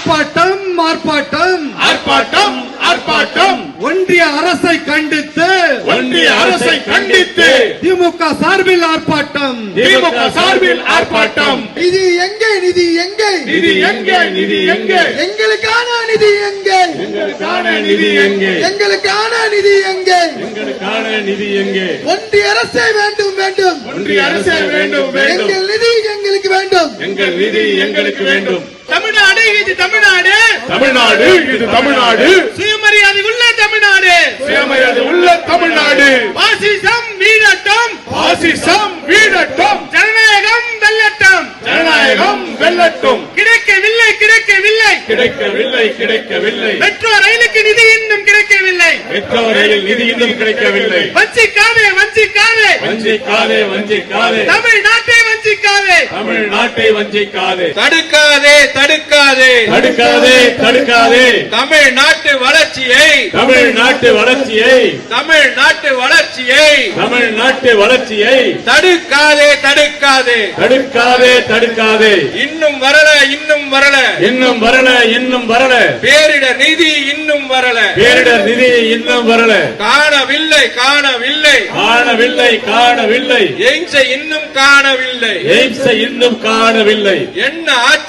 ஆர்ப்பாட்டம் ஆர்ப்பாட்டம் ஆர்ப்பாட்டம் ஆர்ப்பாட்டம் ஒன்றிய அரசை கண்டித்து திமுக சார்பில் ஆர்ப்பாட்டம் நிதி எங்கே நிதி எங்கே நிதி எங்கே நிதி எங்கே எங்களுக்கான நிதி எங்கே எங்களுக்கான நிதி எங்கே ஒன்றிய அரசே வேண்டும் வேண்டும் எங்கள் நிதி எங்களுக்கு வேண்டும் எங்களுக்கு வேண்டும். தமிழ்நாடு இது தமிழ்நாடு இது தமிழ்நாடு சுயமரியாதை உள்ள தமிழ்நாடு பாசிசம் வீழட்டும் ஜனநாயகம் வெல்லட்டும் கிடைக்கவில்லை மெட்ரோ ரயிலுக்கு நிதி இன்னும் கிடைக்கவில்லை வஞ்சிக்காதே தமிழ்நாட்டை வஞ்சிக்காதே தடுக்காதே தமிழ்நாட்டு வளர்ச்சியை தடுக்காதே இன்னும் வரல பேரிடர் நிதி இன்னும் வரல காணவில்லை எய்ம்ஸை இன்னும் காணவில்லை என்ன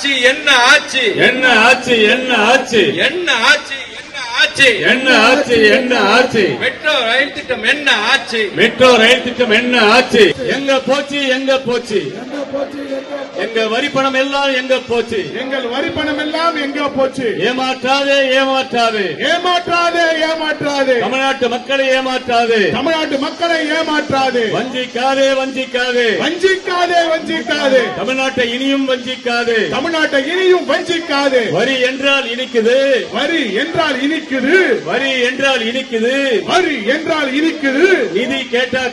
ஆட்சி மெட்ரோ ரயில் திட்டம் என்ன ஆட்சி எங்க போச்சு எங்க வரி பணம் எல்லாம் எங்க போச்சு ஏமாற்றாதே தமிழ்நாட்டு மக்களை ஏமாற்றாதே வஞ்சிக்காதே தமிழ்நாட்டை இனியும் வஞ்சிக்காதே வரி என்றால் இனிக்குது நிதி கேட்டா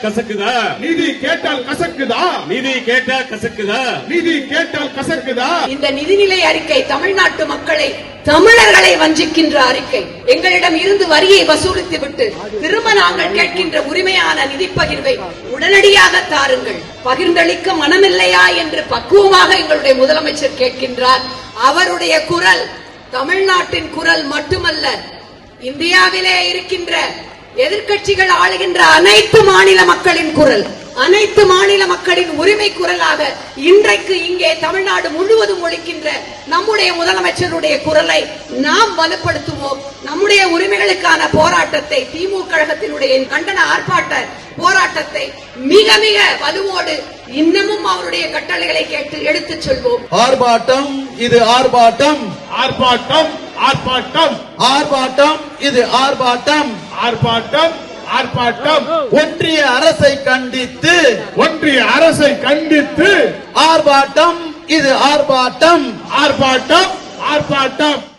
கசக்குதா இந்த நிதிநிலை அறிக்கை தமிழ்நாட்டு மக்களை தமிழர்களை வஞ்சிக்கின்ற அறிக்கை. எங்களிடம் இருந்து வரியை வசூலித்துவிட்டு திரும்ப நாங்கள் கேட்கின்ற உரிமையான நிதி பகிர்வை உடனடியாக தாருங்கள். பகிர்ந்தளிக்க மனமில்லையா என்று பக்குவமாக எங்களுடைய முதலமைச்சர் கேட்கின்றார். அவருடைய குரல் தமிழ்நாட்டின் குரல் மட்டுமல்ல, இந்தியாவிலே இருக்கின்ற எதிர்க்கட்சிகள் ஆளுகின்ற அனைத்து மாநில மக்களின் குரல், அனைத்து மாநில மக்களின் உரிமை குரலாக இன்றைக்கு இங்கே தமிழ்நாடு முழுவதும் ஒலிக்கின்ற நம்முடைய முதலமைச்சருடைய குரலை நாம் வலுப்படுத்துவோம். நம்முடைய உரிமைகளுக்கான போராட்டத்தை, திமுக கழகத்தினுடைய கண்டன ஆர்ப்பாட்ட போராட்டத்தை மிக மிக வலுவோடு இன்னமும் அவருடைய கட்டளைகளை கேட்டு எடுத்துச் சொல்வோம். ஆர்ப்பாட்டம் இது ஆர்ப்பாட்டம் இது ஆர்ப்பாட்டம் ஒன்றிய அரசை கண்டித்து ஆர்ப்பாட்டம் இது ஆர்ப்பாட்டம்